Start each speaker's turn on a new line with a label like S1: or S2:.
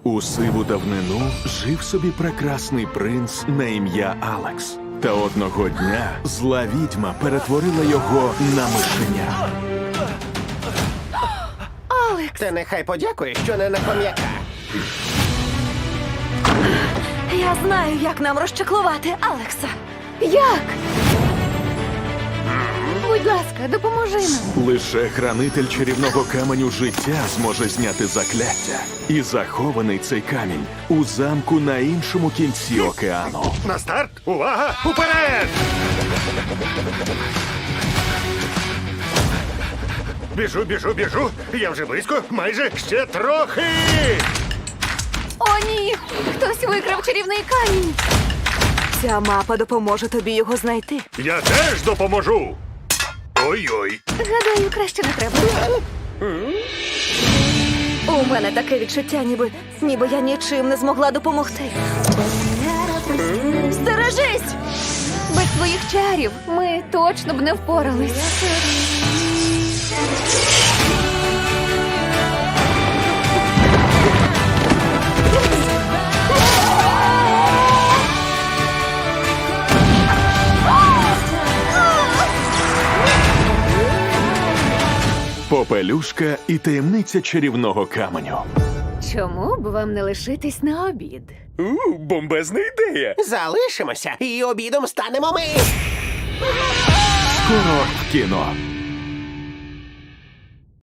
S1: У сиву давнину жив собі прекрасний принц на ім'я Алекс. Та одного дня зла відьма перетворила його на мишеня.
S2: Алекс,
S3: Ти нехай подякує, що не на хом'яка.
S2: я знаю, як нам розчаклувати Алекса. Як? Будь ласка, допоможи нам.
S1: Лише хранитель чарівного каменю життя зможе зняти закляття. І захований цей камінь у замку на іншому кінці океану.
S4: На старт! Увага! Уперед! Біжу! Я вже близько, майже ще трохи!
S2: О, ні! Хтось викрав чарівний камінь. Ця мапа допоможе тобі його знайти.
S4: Я теж допоможу! Ой-ой!
S2: Гадаю, краще не треба. У мене таке відчуття, ніби я нічим не змогла допомогти. Стережись! Без твоїх чарів ми точно б не впорались.
S1: Попелюшка і таємниця чарівного каменю.
S2: Чому б вам не лишитись на обід?
S4: Бомбезна ідея!
S3: Залишимося і обідом станемо ми.
S1: Скоро в кіно.